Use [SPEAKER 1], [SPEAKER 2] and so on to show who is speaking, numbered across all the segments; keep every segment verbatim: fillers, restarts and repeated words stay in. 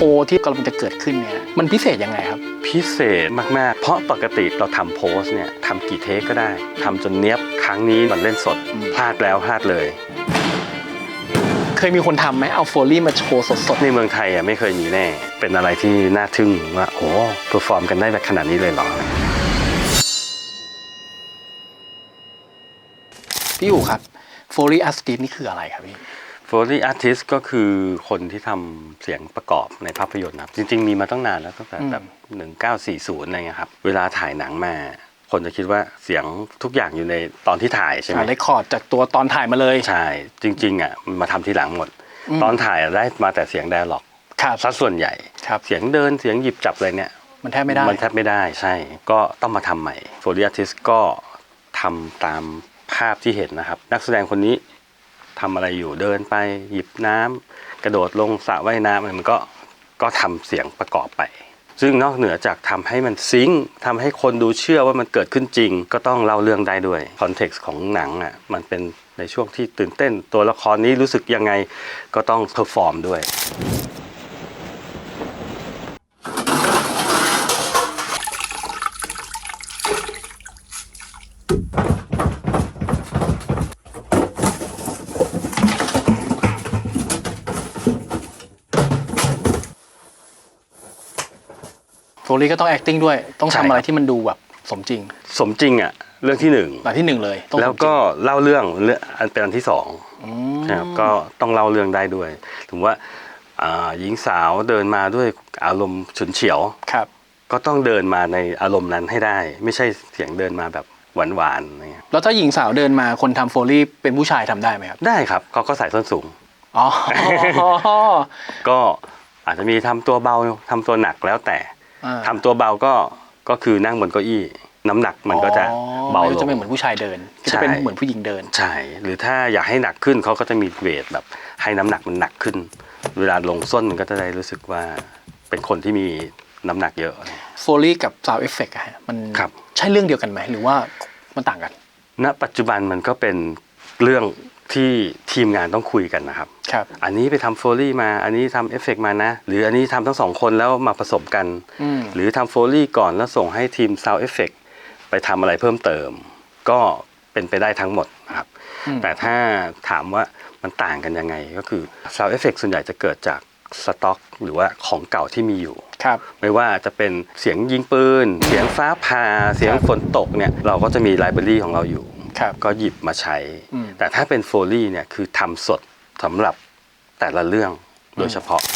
[SPEAKER 1] ว์ที่กำลังจะเกิดขึ้นเนี่ยมันพิเศษยังไงครับ
[SPEAKER 2] พิเศษมากๆเพราะปกติเราทำโพสเนี่ยทำกี่เทคก็ได้ทำจนเนี้ยบครั้งนี้มันเล่นสดพลาดแล้วพลาดเลย
[SPEAKER 1] เคยมีคนทำไหมเอาโฟลี่มาโชว์สดๆ
[SPEAKER 2] ในเมืองไทยอ่ะไม่เคยมีแน่เป็นอะไรที่น่าทึ่งว่าโอ้เพอร์ฟอร์มกันได้แบบขนาดนี้เลยเหรอ
[SPEAKER 1] พี่อู๋ครับโฟลี่อาร์ติสนี่คืออะไรครับพี่
[SPEAKER 2] โฟลี่อาร์ติสก็คือคนที่ทำเสียงประกอบในภาพยนตร์ครับจริงๆมีมาตั้งนานแล้วตั้งแต่แบบหนึ่งเก้าสี่ศูนย์อะไรเงี้ยครับเวลาถ่ายหนังมาคนจะคิดว่าเสียงทุกอย่างอยู่ในตอนที่ถ่ายใช่ไหม
[SPEAKER 1] เรคคอร์ดจากตัวตอนถ่ายมาเลย
[SPEAKER 2] ใช่จริงๆอ่ะมาทำทีหลังหมดตอนถ่ายได้มาแต่เสียงไดอะล็อกซะส่วนใหญ่เสียงเดินเสียงหยิบจับอะไรเนี่ย
[SPEAKER 1] มันแทบไม่ได้
[SPEAKER 2] มันแทบไม่ได้ใช่ก็ต้องมาทำใหม่โฟลี่อาร์ติสก็ทำตามภาพที่เห็นนะครับนักแสดงคนนี้ทำอะไรอยู่เดินไปหยิบน้ำกระโดดลงสระว่ายน้ำมันก็ก็ทำเสียงประกอบไปซึ่งนอกเหนือจากทำให้มันซิงค์ทำให้คนดูเชื่อว่ามันเกิดขึ้นจริงก็ต้องเล่าเรื่องได้ด้วยคอนเท็กซ์ของหนังอ่ะมันเป็นในช่วงที่ตื่นเต้นตัวละครนี้รู้สึกยังไงก็ต้องเพอร์ฟอร์มด้วย
[SPEAKER 1] โฟลี่ก็ต้อง acting ด้วยต้องทำอะไรที่มันดูแบบสมจริง
[SPEAKER 2] สมจริงอ่ะเรื่องที่หนึ่ง
[SPEAKER 1] หลังที่หนึ่งเลย
[SPEAKER 2] แล้วก็เล่าเรื่องเรื่องอันเป็นอันที่สองครับก็ต้องเล่าเรื่องได้ด้วยถึงว่าหญิงสาวเดินมาด้วยอารมณ์ฉุนเฉียว
[SPEAKER 1] ครับ
[SPEAKER 2] ก็ต้องเดินมาในอารมณ์นั้นให้ได้ไม่ใช่เสียงเดินมาแบบหวานๆอะไรเงี้ย
[SPEAKER 1] แล้วถ้าหญิงสาวเดินมาคนทำโฟลี่เป็นผู้ชายทำได้ไหมครับ
[SPEAKER 2] ได้ครับเขาก็ใส่ส้นสูง
[SPEAKER 1] อ๋อ
[SPEAKER 2] ก็อาจจะมีทำตัวเบาทำตัวหนักแล้วแต่ทำตัวเบาก็ก็คือนั่งบนเก้าอี้น้ำหนักมันก็จะเบาลง
[SPEAKER 1] จะไม่เหมือนผู้ชายเดินก็จะเป็นเหมือนผู้หญิงเดิน
[SPEAKER 2] ใช่หรือถ้าอยากให้หนักขึ้นเขาก็จะมีเวทแบบให้น้ำหนักมันหนักขึ้นเวลาลงส้นมันก็จะได้รู้สึกว่าเป็นคนที่มีน้ำหนักเยอะ
[SPEAKER 1] โฟลี่กับซาวด์เอฟเฟกต์อะมันใช่เรื่องเดียวกันไหมหรือว่ามันต่างกัน
[SPEAKER 2] ณปัจจุบันมันก็เป็นเรื่องที่ทีมงานต้องคุยกันนะครับอันนี้ไปทำโฟลี่มาอันนี้ทำเอฟเฟกต์มานะหรืออันนี้ทำทั้งสองคนแล้วมาผสมกันหรือทำโฟลี่ก่อนแล้วส่งให้ทีมซาวด์เอฟเฟกต์ไปทำอะไรเพิ่มเติมก็เป็นไปได้ทั้งหมดนะครับแต่ถ้าถามว่ามันต่างกันยังไงก็คือซาวด์เอฟเฟกต์ส่วนใหญ่จะเกิดจากสต็อกหรือว่าของเก่าที่มีอยู่ไม่ว่าจะเป็นเสียงยิงปืนเสียงฟ้าผ่าเสียงฝนตกเนี่ยเราก็จะมีไลบรารีของเราอยู่ก็หยิบมาใช้แต่ถ้าเป็นโฟลี่เนี่ยคือทำสดสำหรับแต่ละเรื่องโดยเฉพาะ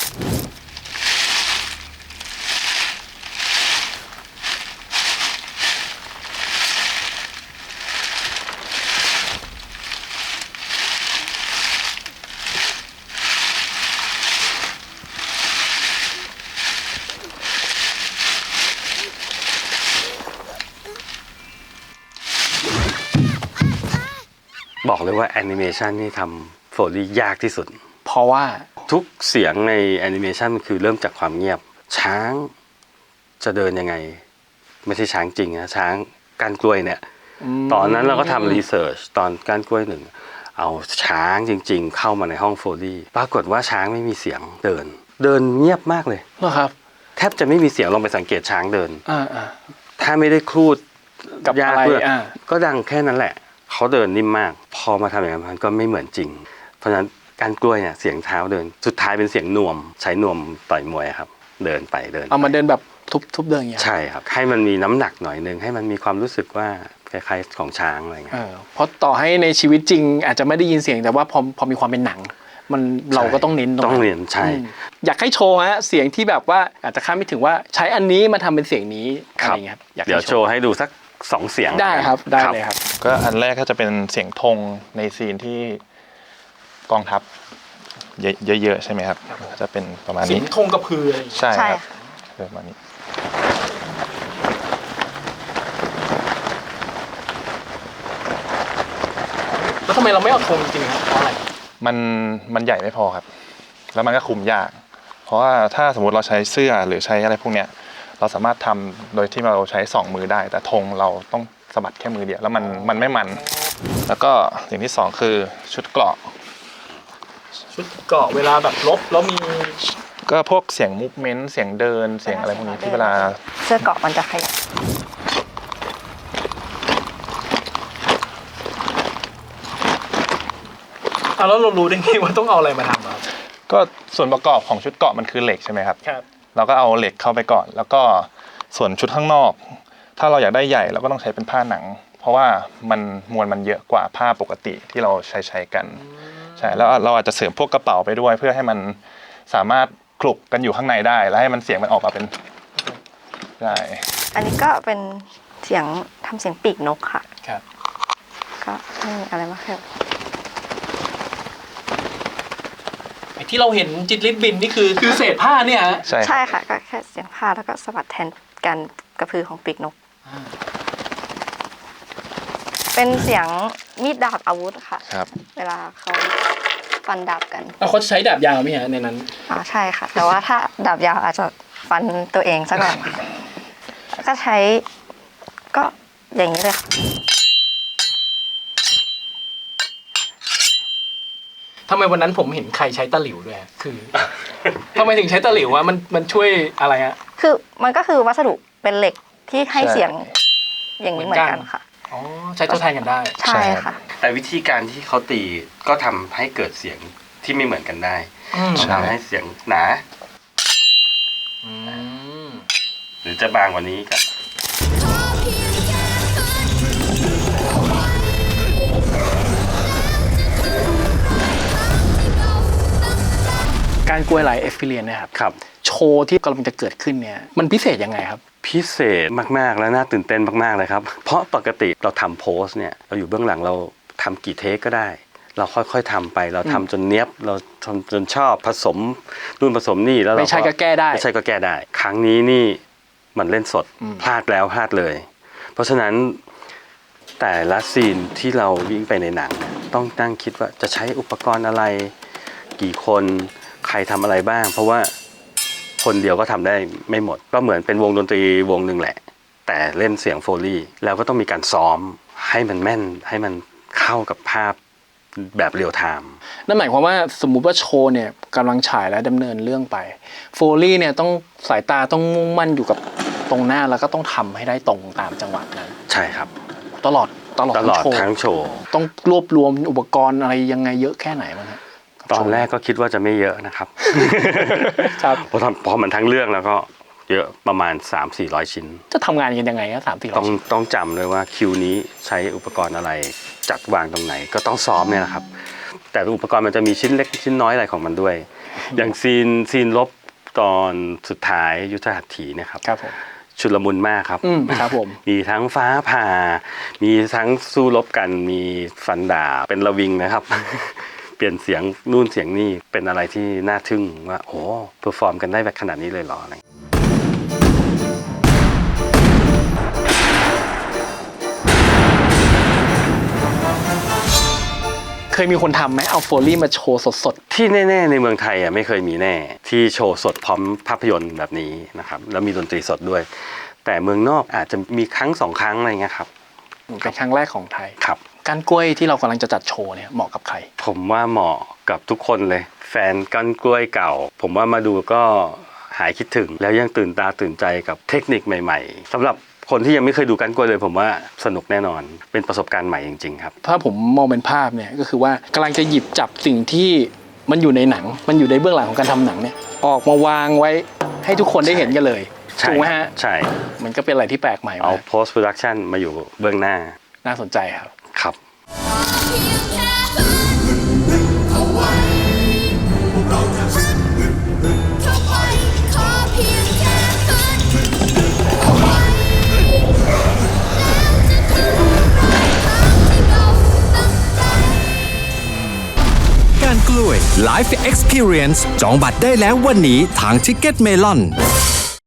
[SPEAKER 2] บอกเลยว่าแอนิเมชันนี่ทำโฟลี่ยากที่สุด
[SPEAKER 1] เพราะว่า
[SPEAKER 2] ทุกเสียงในแอนิเมชันคือเริ่มจากความเงียบช้างจะเดินยังไงไม่ใช่ช้างจริงนะช้างก้านกล้วยเนี่ยตอนนั้นเราก็ทำรีเสิร์ชตอนก้านกล้วยหนึ่งเอาช้างจริงๆเข้ามาในห้องโฟลี่ปรากฏว่าช้างไม่มีเสียงเดินเดินเงียบมากเลย
[SPEAKER 1] เหรอครับ
[SPEAKER 2] แทบจะไม่มีเสียงลองไปสังเกตช้างเดิน
[SPEAKER 1] อ่า
[SPEAKER 2] ถ้าไม่ได้ครูด
[SPEAKER 1] กับ
[SPEAKER 2] ยา
[SPEAKER 1] อะไร
[SPEAKER 2] ก็ดังแค่นั้นแหละเขาเดินนิ่มมากพอมาทำอย่างนั้นมันก็ไม่เหมือนจริงเพราะฉะนั้นการกล้วยเนี่ยเสียงเท้าเดินสุดท้ายเป็นเสียงนวมใช้นวมต่อยมวยครับเดินไปเดิน
[SPEAKER 1] เอามาเดินแบบทุบทุบเดินอย่างเงี้ย
[SPEAKER 2] ใช่ครับให้มันมีน้ำหนักหน่อยนึงให้มันมีความรู้สึกว่าคล้ายๆของช้างอะไรเงี้ย
[SPEAKER 1] เพราะต่อให้ในชีวิตจริงอาจจะไม่ได้ยินเสียงแต่ว่าพอพอมีความเป็นหนังมันเราก็ต้องเน้น
[SPEAKER 2] ต้องเน้นใช่
[SPEAKER 1] อยากให้โชว์ฮะเสียงที่แบบว่าอาจจะคาดไม่ถึงว่าใช้อันนี้มาทำเป็นเสียงนี้อะไรเงี้ย
[SPEAKER 2] เดี๋ยวโชว์ให้ดูสักสองเสียง
[SPEAKER 1] ได้ครับได้เลยครับ
[SPEAKER 3] ก็อันแรกก็จะเป็นเสียงธงในซีนที่กองทัพเยอะๆใช่ไหมครับจะเป็นประมาณนี้เสียง
[SPEAKER 1] ธงกระพืออะไร
[SPEAKER 3] ใช่ครับประมาณนี้
[SPEAKER 1] แล้วทำไมเราไม่เอาธงจริงๆครับเพราะอะไร
[SPEAKER 3] มันมันใหญ่ไม่พอครับแล้วมันก็คุมยากเพราะว่าถ้าสมมติเราใช้เสื้อหรือใช้อะไรพวกเนี้ยเราสามารถทำโดยที่เราใช้สองมือได้แต่ธงเราต้องสะบัดแค่มือเดียวแล้วมันมันไม่มันแล้วก็อย่างที่สองคือชุดเกราะ
[SPEAKER 1] ชุดเกราะเวลาแบบลบแล้วมี
[SPEAKER 3] ก็พวกเสียงมูฟเมนต์เสียงเดินเสียงอะไรพวกนี้ที่เวลา
[SPEAKER 4] เสื้อเกราะมันจะขยับ
[SPEAKER 1] อ่ะแล้วเรารู้ได้ไงว่าต้องเอาอะไรมาทำครับ
[SPEAKER 3] ก็ส่วนประกอบของชุดเกราะมันคือเหล็กใช่ไหมครับ
[SPEAKER 1] ครับ
[SPEAKER 3] เราก็เอาเหล็กเข้าไปก่อน แล้วก็ส่วนชุดข้างนอก ถ้าเราอยากได้ใหญ่เราก็ต้องใช้เป็นผ้าหนัง เพราะว่ามันมวลมันเยอะกว่าผ้าปกติที่เราใช้ใช้กันใช่แล้วเราอาจจะเสริมพวกกระเป๋าไปด้วย เพื่อให้มันสามารถคลุกกันอยู่ข้างในได้ แล้วให้มันเสียงมันออกมาเป็นได้
[SPEAKER 4] อันนี้ก็เป็นเสียงทำเสียงปีกนกค่ะ
[SPEAKER 1] ครับ
[SPEAKER 4] ก็ไม่มีอะไรมากครับ
[SPEAKER 1] ไอ้ที่เราเห็นจิตรลิบบินนี่คือคือเศษผ้าเนี่ยฮะ
[SPEAKER 3] ใช่
[SPEAKER 4] ใช่ค่ะก็แค่เสียงผ้าแล้วก็สะบัดแทนการกระพือของปีกนก เป็นเสียงมีดดาบอาวุธค่ะ
[SPEAKER 3] ครับ
[SPEAKER 4] เวลาเขาฟันดาบกัน
[SPEAKER 1] เอาเขาใช้ดาบยาวไหมฮะในนั้น
[SPEAKER 4] อ๋อใช่ค่ะ แต่ว่าถ้าดาบยาวอาจจะฟันตัวเองซะก่อนค่ะแล้วก็ใช้ก็อย่างนี้เลยค่ะ
[SPEAKER 1] ทำไมวันนั้นผมเห็นใครใช้ตะหลิวด้วยฮะคือ ทำไมถึงใช้ตะหลิววะมันมันช่วยอะไรฮะ
[SPEAKER 4] คือมันก็คือวัสดุเป็นเหล็กที่ให้เสียงอย่างนี้เหมือนกัน
[SPEAKER 1] เหมือนกัน
[SPEAKER 4] ค่ะ
[SPEAKER 1] อ๋อใช้ทดแทนกันได้
[SPEAKER 4] ใช่ค่ะ
[SPEAKER 2] แต่วิธีการที่เขาตีก็ทำให้เกิดเสียงที่ไม่เหมือนกันได้
[SPEAKER 1] อืม
[SPEAKER 2] ทำให้เสียงหนา
[SPEAKER 1] อืม
[SPEAKER 2] หรือจะบางกว่านี้ก็
[SPEAKER 1] การกล้วยไลฟ์เอ็กซ์เพรียนนะครับ
[SPEAKER 2] ครับ
[SPEAKER 1] โชว์ที่กำลังจะเกิดขึ้นเนี่ยมันพิเศษยังไงครับ
[SPEAKER 2] พิเศษมากๆและน่าตื่นเต้นมากๆเลยครับ เพราะปกติเราทำโพสเนี่ยเราอยู่เบื้องหลังเราทำกี่เทคก็ได้ เราค่อยๆทำไปเราทำจนเนี้ยบเราทำจนชอบผสมนู่นผสมนี่แล้วเรา
[SPEAKER 1] ไม่ใช่ก็แก้ได้
[SPEAKER 2] ไม่ใช่ก็แก้ได้ ครั้งนี้นี่มันเล่นสด
[SPEAKER 1] อืม
[SPEAKER 2] พลาดแล้วพลาดเลย เพราะฉะนั้นแต่ละซีนที่เราวิ่งไปในหนังต้องนั่งคิดว่าจะใช้อุปกรณ์อะไรกี่คนใครทำอะไรบ้าง เพราะว่าคนเดียวก็ทำได้ไม่หมด ก็เหมือนเป็นวงดนตรีวงหนึ่งแหละ แต่เล่นเสียงโฟลี่แล้วก็ต้องมีการซ้อมให้มันแม่นให้มันเข้ากับภาพแบบเรียลไทม์
[SPEAKER 1] นั่นหมายความว่าสมมุติว่าโชว์เนี่ยกำลังฉายและดำเนินเรื่องไปโฟลี่เนี่ยต้องสายตาต้องมุ่งมั่นอยู่กับตรงหน้าแล้วก็ต้องทำให้ได้ตรงตามจังหวะนั้น
[SPEAKER 2] ใช่ครับ
[SPEAKER 1] ตลอดตลอด
[SPEAKER 2] ตลอด
[SPEAKER 1] ทั้งโชว์
[SPEAKER 2] ทั้งโชว์
[SPEAKER 1] ต้องรวบรวมอุปกรณ์อะไรยังไงเยอะแค่ไหนมั้งฮะ
[SPEAKER 2] ตอนแรกก็คิดว่าจะไม่เยอะนะครับ
[SPEAKER 1] ครับ
[SPEAKER 2] พอทำพอมันทั้งเรื่องแล้วก็เยอะประมาณ สามถึงสี่ร้อย ชิ้น
[SPEAKER 1] จะทำงานกันยังไงครับสามสี่ร้อ
[SPEAKER 2] ต้อย ง
[SPEAKER 1] ชิ้น
[SPEAKER 2] ต้องจำเลยว่าคิวนี้ใช้อุปกรณ์อะไรจัดวางตรงไหนก็ต้องซ้อมเนี่ยนะครับ แต่อุปกรณ์มันจะมีชิ้นเล็กชิ้นน้อยอะไรของมันด้วย อย่างซีนซีนลบตอนสุดท้ายยุทธหัตถีเนะครับ
[SPEAKER 1] ครับผม
[SPEAKER 2] ชุลมุนมากครับ
[SPEAKER 1] อืมครับผม
[SPEAKER 2] มีทั้งฟ้าผ่า มีทั้งสู้รบกัน มีฟันดาบเป็นระวิงนะครับ เปลี่ยนเสียงนู่นเสียงนี่เป็นอะไรที่น่าทึ่งว่าโอ้เพอร์ฟอร์มกันได้แบบขนาดนี้เลยเหรออะไร
[SPEAKER 1] เคยมีคนทำไหมเอาโฟลี่มาโชว์สด
[SPEAKER 2] ที่แน่ๆในเมืองไทยอ่ะไม่เคยมีแน่ที่โชว์สดพร้อมภาพยนตร์แบบนี้นะครับแล้วมีดนตรีสดด้วย แต่เมืองนอกอาจจะมีครั้งสองครั้งอะไรเงี้ยครับ
[SPEAKER 1] ๆเป็นครั้งแรกของไทย
[SPEAKER 2] ครับ
[SPEAKER 1] การกล้วยที่เรากำลังจะจัดโชว์เนี่ยเหมาะกับใคร
[SPEAKER 2] ผมว่าเหมาะกับทุกคนเลย แฟนก้านกล้วยเก่า ผมว่ามาดูก็หายคิดถึง แล้วยังตื่นตาตื่นใจกับเทคนิคใหม่ๆสำหรับคนที่ยังไม่เคยดูก้านกล้วยเลย ผมว่าสนุกแน่นอนเป็นประสบการณ์ใหม่จริงๆครับ
[SPEAKER 1] ถ้าผมมองเป็นภาพเนี่ยก็คือว่ากำลังจะหยิบจับสิ่งที่มันอยู่ในหนัง มันอยู่ในเบื้องหลังของการทำหนังเนี่ยออกมาวางไว้ให้ทุกคนได้เห็นกันเลย
[SPEAKER 2] ใช่
[SPEAKER 1] ถูกไหมฮะ
[SPEAKER 2] ใช่
[SPEAKER 1] มันก็เป็นอะไรที่แปลกใหม่
[SPEAKER 2] เอา
[SPEAKER 1] มาก
[SPEAKER 2] post production มาอยู่เบื้องหน้า
[SPEAKER 1] น่าสนใจครับ
[SPEAKER 2] ครับ
[SPEAKER 5] เอาไว้พวกเราจะฮึดเข้าไปขอเพียงแค่ฝันเอาไว้แล้วจะถึงปลายทางที่เราตั้งใจ
[SPEAKER 6] การกล้วย Live Experience จองบัตรได้แล้ววันนี้ทาง Ticket Melon